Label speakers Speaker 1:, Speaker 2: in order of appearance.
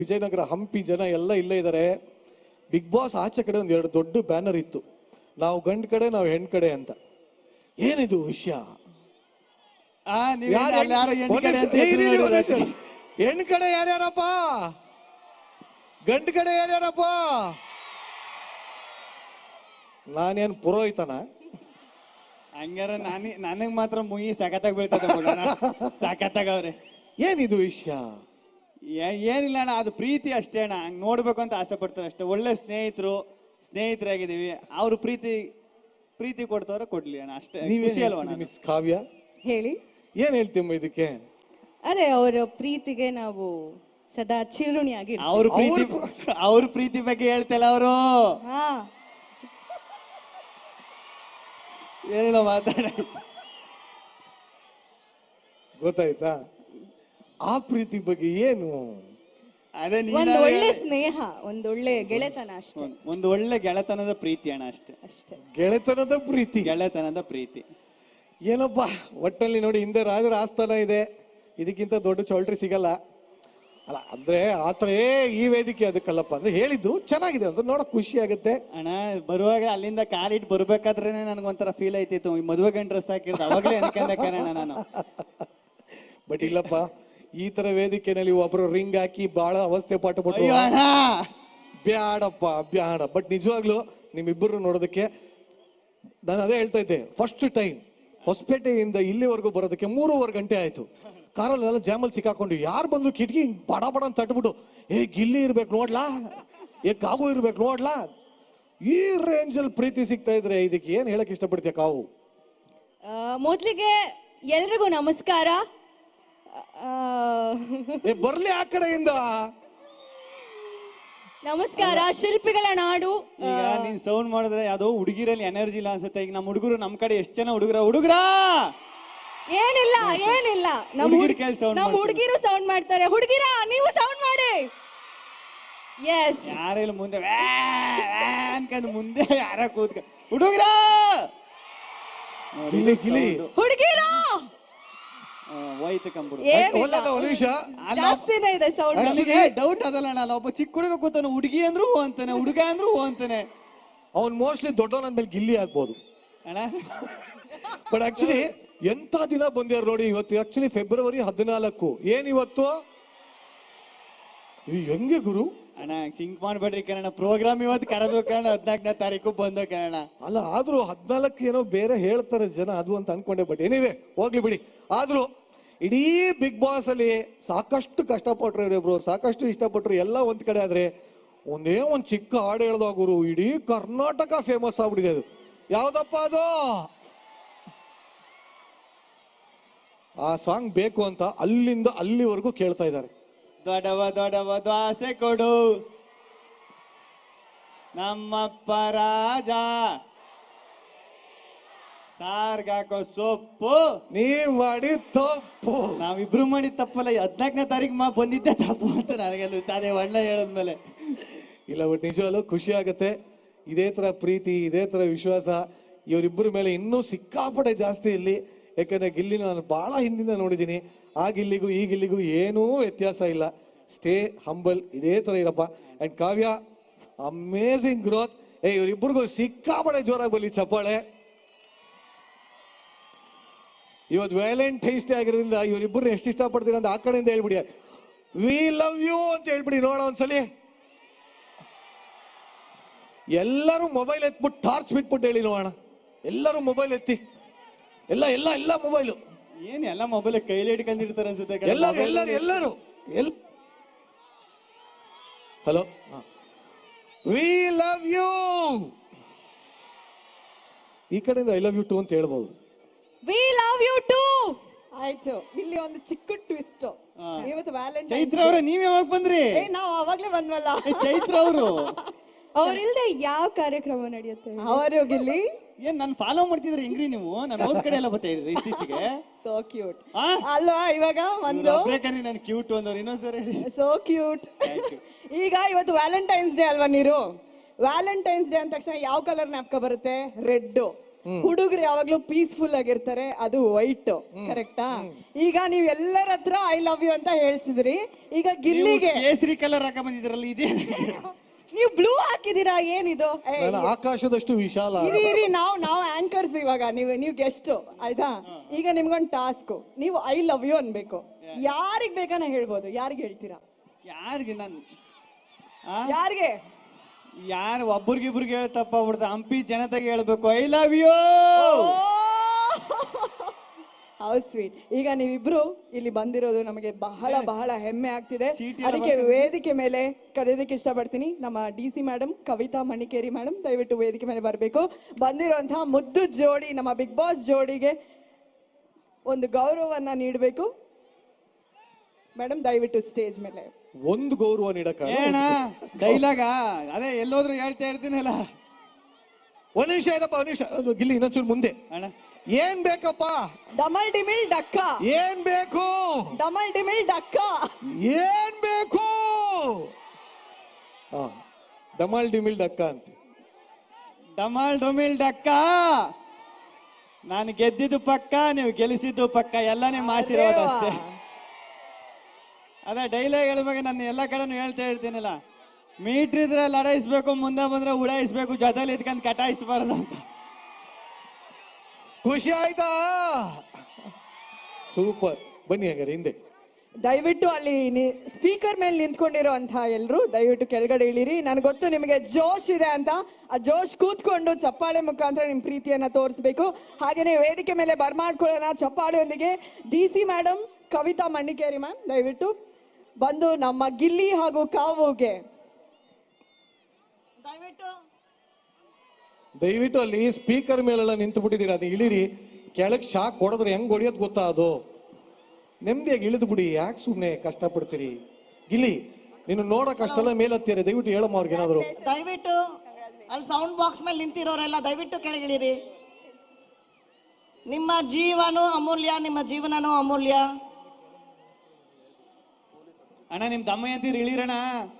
Speaker 1: ವಿಜಯನಗರ ಹಂಪಿ ಜನ ಎಲ್ಲ ಇಲ್ಲೇ ಇದ್ದಾರೆ. ಬಿಗ್ ಬಾಸ್ ಆಚೆ ಕಡೆ ಒಂದು 2 ದೊಡ್ಡ ಬ್ಯಾನರ್ ಇತ್ತು, ನಾವು ಗಂಡ್ ಕಡೆ ನಾವು ಹೆಣ್ ಕಡೆ ಅಂತ. ಏನಿದು ವಿಷಯ? ಹೆಣ್ ಕಡೆ ಯಾರ್ಯಾರಪ್ಪ, ಗಂಡ್ ಕಡೆ ಯಾರ್ಯಾರಪ್ಪ? ನಾನೇನ್ ಪುರೋಹಿತನ?
Speaker 2: ಹಂಗಾರ ನನಗ್ ಮಾತ್ರ ಮುಗಿ ಸಖತ್ತಾಗಿ ಬೀಳ್ತದೆ ಸಖತ್ತಾಗವ್ರೆ.
Speaker 1: ಏನಿದು ವಿಷಯ?
Speaker 2: ಏನಿಲ್ಲ ಅಣ್ಣ, ಅದು ಪ್ರೀತಿ ಅಷ್ಟೇ ಅಣ್ಣ. ಹಂಗ್ ನೋಡ್ಬೇಕು ಅಂತ ಆಸೆ ಪಡ್ತಾರೆ ಅಷ್ಟೇ. ಒಳ್ಳೆ ಸ್ನೇಹಿತರಾಗಿದ್ದೀವಿ. ಅವ್ರು ಪ್ರೀತಿ ಕೊಡ್ತವ್ರೆ ಕೊಡ್ಲಿ ಅಣ್ಣ, ಅಷ್ಟೇ. ಖುಷಿ ಅಲ್ವಾ
Speaker 1: ಮಿಸ್ ಕಾವ್ಯ?
Speaker 3: ಹೇಳಿ,
Speaker 1: ಏನ್ ಹೇಳ್ತೀಮ್ಮ ಇದಕ್ಕೆ?
Speaker 3: ಅದೇ ಅವರ ಪ್ರೀತಿಗೆ ನಾವು ಸದಾ ಚಿರುಣಿಯಾಗಿ
Speaker 2: ಅವ್ರ ಪ್ರೀತಿ ಬಗ್ಗೆ ಹೇಳ್ತಲ್ಲ ಅವರು.
Speaker 3: ಹಾ,
Speaker 2: ಏನಿಲ್ಲ ಮಾತಾಡ,
Speaker 1: ಗೊತ್ತಾಯ್ತಾ? ಆ ಪ್ರೀತಿ ಬಗ್ಗೆ ಏನು?
Speaker 2: ಅದೇ
Speaker 3: ಒಂದು ಒಳ್ಳೆ ಸ್ನೇಹ, ಒಂದು ಒಳ್ಳೆ ಗೆಳೆತನ ಅಷ್ಟೇ.
Speaker 2: ಒಂದು ಒಳ್ಳೆ ಗೆಳೆತನದ ಪ್ರೀತಿ ಅಣ್ಣ, ಅಷ್ಟೇ
Speaker 3: ಅಷ್ಟೇ.
Speaker 1: ಗೆಳೆತನದ ಪ್ರೀತಿ,
Speaker 2: ಗೆಳೆತನದ ಪ್ರೀತಿ.
Speaker 1: ಏನಪ್ಪಾ ಒಟ್ಟಲ್ಲಿ ನೋಡಿ, ಹಿಂದೆ ರಾಜರ ಆಸ್ಥಾನ ಇದೆ, ಇದಕ್ಕಿಂತ ದೊಡ್ಡ ಚೌಲ್ಟ್ರಿ ಸಿಗಲ್ಲ ಅಲ್ಲ. ಅಂದ್ರೆ ಆತರ ಈ ವೇದಿಕೆ ಅದಕ್ಕಲ್ಲಪ್ಪ ಅಂದ್ರೆ ಹೇಳಿದ್ದು ಚೆನ್ನಾಗಿದೆ ಅಂತ ನೋಡಕ್ ಖುಷಿ ಆಗುತ್ತೆ
Speaker 2: ಅಣ್ಣ. ಬರುವಾಗ ಅಲ್ಲಿಂದ ಕಾಲಿಟ್ಟು ಬರ್ಬೇಕಾದ್ರೆ ನನ್ಗೊಂಥರ ಫೀಲ್ ಆಯ್ತಿತ್ತು, ಮದುವೆ ಗಂಡ ಡ್ರೆಸ್ ಹಾಕಿರ್ದು ಅವಾಗಲೇ ಅನ್ಕೊಂಡೆ ಕಾರಣ ನಾನು.
Speaker 1: ಬಟ್ ಇಲ್ಲಪ್ಪ, ಈ ತರ ವೇದಿಕೆನಲ್ಲಿ ಒಬ್ರು ರಿಂಗ್ ಹಾಕಿ ಬಹಳ ಅವಸ್ಥೆ ಪಟ್ಟುಬಿಟ್ಟು ಬ್ಯಾಡಪ್ಪ ಬ್ಯಾಡ. ಬಟ್ ನಿಜವಾಗ್ಲು ನಿಮ್ಮಿಬ್ಬರು ನೋಡೋದಕ್ಕೆ ನಾನು ಅದೇ ಹೇಳ್ತಾ ಇದ್ದೆ, ಫಸ್ಟ್ ಟೈಮ್ ಹೊಸಪೇಟೆಯಿಂದ ಇಲ್ಲಿವರೆಗೂ ಬರೋದಕ್ಕೆ 3.5 ಗಂಟೆ ಆಯ್ತು. ಕಾರಲ್ಲೆಲ್ಲ ಜಾಮಲ್ಲಿ ಸಿಕ್ಕಾಕೊಂಡು ಯಾರು ಬಂದ್ರು ಕಿಟಕಿ ಬಡ ಬಡ ಅಂತ ತಟ್ಬಿಟ್ಟು, ಗಿಲ್ಲಿ ಇರ್ಬೇಕು ನೋಡ್ಲಾ, ಕಾವು ಇರ್ಬೇಕು ನೋಡ್ಲಾ. ಈ ರೇಂಜಲ್ಲಿ ಪ್ರೀತಿ ಸಿಗ್ತಾ ಇದ್ರೆ ಇದಕ್ಕೆ ಏನ್ ಹೇಳಕ್ ಇಷ್ಟಪಡ್ತೀಯ ಕಾವು?
Speaker 3: ಮೊದ್ಲಿಗೆ ಎಲ್ರಿಗೂ ನಮಸ್ಕಾರ.
Speaker 1: ಬರ್ಲಿ ಆ ಕಡೆಯಿಂದ
Speaker 3: ನಮಸ್ಕಾರ. ಶಿಲ್ಪಿಗಳ ನಾಡು.
Speaker 2: ಈಗ ನೀನ್ ಸೌಂಡ್ ಮಾಡಿದ್ರೆ ಯಾವ್ದೋ ಹುಡುಗಿರಲ್ಲಿ ಎನರ್ಜಿ ಇಲ್ಲ ಅನ್ಸುತ್ತೆ. ಈಗ ನಮ್ಮ ಹುಡುಗರು ನಮ್ ಕಡೆ ಎಷ್ಟು ಜನ ಹುಡುಗರ
Speaker 3: ಏನಿಲ್ಲ ನಮ್ಮ ಹುಡುಗಿರು ಸೌಂಡ್ ಮಾಡ್ತಾರೆ. ಹುಡುಗಿರ ನೀವು ಸೌಂಡ್ ಮಾಡಿ. ಎಸ್,
Speaker 2: ಯಾರೆಲ್ಲ ಮುಂದೆ ಅನ್ಕಂದ್ ಮುಂದೆ ಯಾರ ಕೂತ್ಕ ಹುಡುಗರ
Speaker 3: ಹುಡುಗಿರ
Speaker 2: ಹೋಯ್ತು ಕಂಬಿಡು.
Speaker 3: ಜಾಸ್ತಿನೇ ಇದೆ ಸೌಂಡ್.
Speaker 2: ನನಗೆ ಡೌಟ್ ಅದಲ್ಲ ಅಣ್ಣ, ಒಬ್ಬ ಚಿಕ್ಕ ಹುಡುಗ ಕೂತಾನೆ, ಹುಡುಗಿ ಅಂದ್ರು ಹೂ ಅಂತಾನೆ, ಹುಡುಗ ಅಂದ್ರು ಹೂ ಅಂತಾನೆ.
Speaker 1: ಅವ್ನ್ ಮೋಸ್ಟ್ಲಿ ದೊಡ್ಡವನಂದ್ಮೇಲೆ ಗಿಲ್ಲಿ ಆಗ್ಬೋದು
Speaker 2: ಅಣ್ಣ.
Speaker 1: ಬಟ್ ಆಕ್ಚುಲಿ ಎಂತ ದಿನ ಬಂದ್ಯಾರ ನೋಡಿ ಇವತ್ತು. Actually February 14. ಏನಿವತ್ತು? ಹೆಂಗೆ ಗುರು
Speaker 2: ಅಣ್ಣ ಸಿಂಕ್ ಮಾಡ್ಬೇಡ್ರಿ ಕಣ. ಪ್ರೋಗ್ರಾಮ್ ಇವತ್ತು ಕರೆದ್ರು ಕಣ, 14ನೇ ತಾರೀಕು ಬಂದ ಕಣ.
Speaker 1: ಅಲ್ಲ, ಆದ್ರೂ 14 ಏನೋ ಬೇರೆ ಹೇಳ್ತಾರೆ ಜನ, ಅದು ಅಂತ ಅನ್ಕೊಂಡೆ. ಬಟ್ ಏನಿವೆ ಹೋಗ್ಲಿ ಬಿಡಿ. ಆದ್ರೂ ಇಡೀ ಬಿಗ್ ಬಾಸ್ ಅಲ್ಲಿ ಸಾಕಷ್ಟು ಕಷ್ಟಪಟ್ರು ಇವರಿಬ್ರು, ಸಾಕಷ್ಟು ಇಷ್ಟಪಟ್ರು. ಎಲ್ಲ ಒಂದ್ ಕಡೆ ಆದ್ರೆ ಒಂದೇ ಒಂದ್ ಚಿಕ್ಕ ಹಾಡು ಹೇಳ್ದಾಗ ಗುರು ಇಡೀ ಕರ್ನಾಟಕ ಫೇಮಸ್ ಆಗ್ಬಿಟ್ಟಿದೆ. ಅದು ಯಾವ್ದಪ್ಪ ಅದು? ಆ ಸಾಂಗ್ ಬೇಕು ಅಂತ ಅಲ್ಲಿಂದ ಅಲ್ಲಿವರೆಗೂ ಕೇಳ್ತಾ ಇದ್ದಾರೆ.
Speaker 2: ದೊಡವ ದ್ವಾಸೆ ಕೊಡು ನಮ್ಮಪ್ಪ ರಾಜ, ಸಾರ್ಗಾಕೋ ಸೊಪ್ಪು
Speaker 1: ನೀವ್ ಮಾಡಿ ತಪ್ಪು.
Speaker 2: ನಾವಿಬ್ರು ಮಾಡಿದ ತಪ್ಪಲ್ಲ. 14ನೇ ತಾರೀಕು ಬಂದಿದ್ದೆ ತಪ್ಪು ಅಂತ ನನಗೆಲ್ಲ ಅದೇ ಒಳ್ಳೆ ಹೇಳದ್ಮೇಲೆ.
Speaker 1: ಇಲ್ಲ, ಬಟ್ ನಿಜವಲ್ಲೂ ಖುಷಿ ಆಗತ್ತೆ. ಇದೇ ತರ ಪ್ರೀತಿ, ಇದೇ ತರ ವಿಶ್ವಾಸ ಇವರಿಬ್ಬರ ಮೇಲೆ ಇನ್ನೂ ಸಿಕ್ಕಾಪಟ್ಟೆ ಜಾಸ್ತಿ ಇಲ್ಲಿ. ಯಾಕಂದ್ರೆ ಗಿಲ್ಲಿನ ನಾನು ಬಹಳ ಹಿಂದಿಂದ ನೋಡಿದ್ದೀನಿ. ಆ ಗಿಲ್ಲಿಗೂ ಈ ಗಿಲ್ಲಿಗೂ ಏನೂ ವ್ಯತ್ಯಾಸ ಇಲ್ಲ. ಸ್ಟೇ ಹಂಬಲ್, ಇದೇ ತರ ಇರಪ್ಪ. And Kavya, amazing growth. ಇವರಿಬ್ಬರಿಗೂ ಸಿಕ್ಕಾಪಟ್ಟೆ ಜೋರಾಗಿ ಬರಲಿ ಚಪ್ಪಾಳೆ. ಇವತ್ತು ವ್ಯಾಲೆಂಟೈನ್ಸ್ ಡೇ ಆಗಿರೋದ್ರಿಂದ ಇವರಿಬ್ಬರನ್ನ ಎಷ್ಟು ಇಷ್ಟಪಡ್ತೀರ ಅಂತ ಆ ಕಡೆಯಿಂದ ಹೇಳ್ಬಿಡಿ. ವಿ ಲವ್ ಯು ಅಂತ ಹೇಳ್ಬಿಡಿ ನೋಡ ಒಂದ್ಸಲಿ. ಎಲ್ಲರೂ ಮೊಬೈಲ್ ಎತ್ಬಿಟ್ಟು ಟಾರ್ಚ್ ಬಿಟ್ಬಿಟ್ಟು ಹೇಳಿ ನೋಡೋಣ. ಎಲ್ಲರೂ ಮೊಬೈಲ್ ಎತ್ತಿ, ಎಲ್ಲ ಮೊಬೈಲು.
Speaker 2: ಏನ್ ಎಲ್ಲ ಮೊಬೈಲ್ ಕೈಲಿ ಹಿಡ್ಕೊಂಡಿರ್ತಾರೆ ಅನ್ಸುತ್ತೆ.
Speaker 1: ಎಲ್ಲರೂ ಹಲೋ, ವಿ ಲವ್ ಯು. ಈ ಕಡೆಯಿಂದ ಐ ಲವ್ ಯು ಟು ಅಂತ ಹೇಳ್ಬೋದು.
Speaker 3: We love you too. ಆಯ್ತು, ಇಲ್ಲಿ ಒಂದು ಚಿಕ್ಕ ಟ್ವಿಸ್ಟ್. ಇವತ್ತು ವ್ಯಾಲೆಂಟೈನ್ಸ್.
Speaker 2: ಚೈತ್ರ ಅವ್ರೆ, ನೀವ್ ಯಾವಾಗ ಬಂದ್ರಿ?
Speaker 3: ನಾವು ಅವಾಗ್ಲೇ ಬಂದ್ವಲ್ಲ.
Speaker 2: ಚೈತ್ರ ಅವರು
Speaker 3: ಅವ್ರಿಲ್ದೆ ಯಾವ ಕಾರ್ಯಕ್ರಮ ನಡೆಯುತ್ತೆ? ಅವರು ಗಿಲ್ಲಿ
Speaker 2: ಏನ್ ನಾನು ಫಾಲೋ ಮಾಡ್ತಿದ್ರೆ ಹೆಂಗ್ರಿ ನೀವು? ನಾನು ಅವ್ರ ಕಡೆ ಎಲ್ಲ ಬರ್ತಾ ಇದ್ರಿ ಇತ್ತೀಚೆಗೆ.
Speaker 3: ಸೋ ಕ್ಯೂಟ್ ಅಲ್ವಾ? ಇವಾಗ ಒಂದು
Speaker 2: ನಾನು ಕ್ಯೂಟ್ ಅಂದವ್ರು ಇನ್ನೊಂದ್ಸರಿ
Speaker 3: ಸೋ ಕ್ಯೂಟ್. ಈಗ ಇವತ್ತು ವ್ಯಾಲೆಂಟೈನ್ಸ್ ಡೇ ಅಲ್ವಾ? ನೀರು ವ್ಯಾಲೆಂಟೈನ್ಸ್ ಡೇ ಅಂದ ತಕ್ಷಣ ಯಾವ ಕಲರ್ ಜ್ಞಾಪಕ ಬರುತ್ತೆ? ರೆಡ್. ಹುಡುಗರು ಯಾವಾಗ್ಲೂ ಪೀಸ್ಫುಲ್ ಆಗಿರ್ತಾರೆ, ಅದು ವೈಟ್. ಕರೆಕ್ಟಾ? ಈಗ ನೀವ್ ಎಲ್ಲರ ಹತ್ರ ಐ ಲವ್ ಯು ಅಂತ ಹೇಳ್ಸಿದ್ರಿ. ಈಗ ಗಿಲ್ಲಿಗೆ
Speaker 2: ಕೇಸರಿ ಕಲರ್ ಹಾಕ ಬಂದಿದ್ರಲ್ಲ ಇದೇ
Speaker 3: ನೀವು ಬ್ಲೂ ಹಾಕಿದೀರಾ, ಏನಿದು? ಏ,
Speaker 1: ನಾನು ಆಕಾಶದಷ್ಟು ವಿಶಾಲ.
Speaker 3: ಇರಿ ನಾವು ಆಂಕರ್ಸ್, ಇವಾಗ ನೀವು ಗೆಸ್ಟ್ ಆಯ್ತಾ? ಈಗ ನಿಮ್ಗೊಂದು ಟಾಸ್ಕ್, ನೀವು ಐ ಲವ್ ಯು ಅನ್ಬೇಕು. ಯಾರಿಗ್ ಬೇಕಾನ ಹೇಳ್ಬೋದು, ಯಾರಿಗೆ ಹೇಳ್ತೀರಾ?
Speaker 2: ಯಾರಿಗೆ ನಾನು
Speaker 3: ಯಾರಿಗೆ?
Speaker 2: ಯಾರು ಒಬ್ರಿಗಿಬ್ರಿಗೆ ಹೇಳಿ ತಪ್ಪಾಗ್ಬಿಡ್ತ, ಹಂಪಿ ಜನತೆಗೆ ಹೇಳ್ಬೇಕು I love you.
Speaker 3: How sweet. ಈಗ ನೀವಿಬ್ರು ಇಲ್ಲಿ ಬಂದಿರೋದು ನಮಗೆ ಬಹಳ ಬಹಳ ಹೆಮ್ಮೆ ಆಗ್ತಿದೆ.
Speaker 2: ಚೀಟಿ
Speaker 3: ಅದಕ್ಕೆ ವೇದಿಕೆ ಮೇಲೆ ಕರೆಯೋದಕ್ಕೆ ಇಷ್ಟಪಡ್ತೀನಿ ನಮ್ಮ DC madam, Kavita Manikeri madam, ದಯವಿಟ್ಟು ವೇದಿಕೆ ಮೇಲೆ ಬರಬೇಕು. ಬಂದಿರುವಂತಹ ಮುದ್ದು ಜೋಡಿ, ನಮ್ಮ ಬಿಗ್ ಬಾಸ್ ಜೋಡಿಗೆ ಒಂದು ಗೌರವವನ್ನ ನೀಡಬೇಕು. ಮೇಡಮ್ ದಯವಿಟ್ಟು ಸ್ಟೇಜ್ ಮೇಲೆ.
Speaker 1: ಒಂದು ಗೌರವ ನೀಡಕ
Speaker 2: ಏನ ಡೈಲಾಗ ಅದೇ ಎಲ್ಲೋದ್ರು ಹೇಳ್ತಾ ಇರ್ತೀನಲ್ಲ.
Speaker 1: ಒಂದ್ ನಿಮಿಷ ಇದಪ್ಪ, ಒಂದ್ ನಿಮಿಷ. ಗಿಲ್ಲಿ ಇನ್ನೊಂಚೂರು ಮುಂದೆ.
Speaker 2: ಅಣ್ಣ
Speaker 1: ಏನ್ ಬೇಕಪ್ಪ?
Speaker 3: ಡಮಲ್ ಡಿಮಿಲ್ ಡಕ್ಕ.
Speaker 1: ಏನ್ ಬೇಕು?
Speaker 3: ಡಮಲ್ ಡಿಮಿಲ್ ಡಕ್ಕ.
Speaker 1: ಏನ್ ಬೇಕು? ಡಮಲ್ ಡಿಮಿಲ್ ಡಕ್ಕ ಅಂತ.
Speaker 2: ಡಮಾಲ್ ಡೊಮಿಲ್ ಡಕ್ಕ. ನಾನು ಗೆದ್ದಿದ್ದು ಪಕ್ಕ, ನೀವು ಗೆಲ್ಲಿಸಿದ್ದು ಪಕ್ಕ, ಎಲ್ಲ ನಿಮ್ಮ ಆಶೀರ್ವಾದ ಅಷ್ಟೇ. ಅದೇ ಡೈಲಾಗ್ ಹೇಳ್ಬೇಕು, ನಾನು ಎಲ್ಲ ಕಡೆನೂ ಹೇಳ್ತಾ ಇರ್ತೀನಲ್ಲ, ಮೀಟ್ರ್ ಇದ್ರೆ ಲಡಾಯಿಸ್ಬೇಕು, ಮುಂದೆ ಬಂದ್ರೆ ಉಡಾಯಿಸ್ಬೇಕು, ಜೊತೆಲಿ ಇದ್ಕೊಂಡು ಕಟಾಯಿಸ್ಬಾರ್ದು ಅಂತ.
Speaker 1: ಖುಷಿ ಆಯ್ತಾ? ಸೂಪರ್. ಬನ್ನಿ ಹಾಗಾದ್ರೆ ಹಿಂದೆ.
Speaker 3: ದಯವಿಟ್ಟು ಅಲ್ಲಿ ಸ್ಪೀಕರ್ ಮೇಲೆ ನಿಂತ್ಕೊಂಡಿರೋ ಅಂತ ಎಲ್ರು ದಯವಿಟ್ಟು ಕೆಳಗಡೆ ಇಳಿರಿ. ನನಗೆ ಗೊತ್ತು ನಿಮಗೆ ಜೋಶ್ ಇದೆ ಅಂತ. ಆ ಜೋಶ್ ಕೂತ್ಕೊಂಡು ಚಪ್ಪಾಳೆ ಮುಖಾಂತರ ನಿಮ್ಮ ಪ್ರೀತಿಯನ್ನ ತೋರಿಸ್ಬೇಕು. ಹಾಗೇನೆ ವೇದಿಕೆ ಮೇಲೆ ಬರ್ಮಾಡ್ಕೊಳ್ಳೋಣ ಚಪ್ಪಾಳೆಯೊಂದಿಗೆ. DC madam, Kavita Manikeri ma'am ದಯವಿಟ್ಟು ಬಂದು ನಮ್ಮ ಗಿಲ್ಲಿ ಹಾಗೂ ಕಾವುಗೆ
Speaker 1: ದಯವಿಟ್ಟು ಅಲ್ಲಿ ಸ್ಪೀಕರ್ ಮೇಲೆಲ್ಲ ನಿಂತು ಬಿಟ್ಟಿದ್ದೀರಾ, ಅದು ಇಳಿರಿ. ಕೆಳಗೆ ಶಾಕ್ ಹೊಡೆದ್ರೆ ಹೆಂಗ್ ಹೊಡಿಯೋದು ಗೊತ್ತಾ? ಅದು ನೆಮ್ಮದಿಯಾಗಿ ಇಳಿದು ಬಿಡಿ, ಯಾಕೆ ಸುಮ್ಮನೆ ಕಷ್ಟಪಡ್ತೀರಿ? ಗಿಲ್ಲಿ, ನೀನು ನೋಡಕ್ ಅಷ್ಟೆಲ್ಲ ಮೇಲತ್ತೀರಿ, ದಯವಿಟ್ಟು ಹೇಳಮ್ಮ ಅವ್ರಿಗೆ ಏನಾದ್ರು.
Speaker 4: ದಯವಿಟ್ಟು ಅಲ್ಲಿ ಸೌಂಡ್ ಬಾಕ್ಸ್ ಮೇಲೆ ನಿಂತಿರೋರೆಲ್ಲ ದಯವಿಟ್ಟು ಕೆಳಗಿಳಿರಿ. ನಿಮ್ಮ ಜೀವನೂ ಅಮೂಲ್ಯ, ನಿಮ್ಮ ಜೀವನನೂ ಅಮೂಲ್ಯ.
Speaker 2: ಅಣ್ಣ ನಿಮ್ ದಮ್ಮಯ್ಯ ಅಂತೀರಿ, ಇಳಿರಣ್ಣ.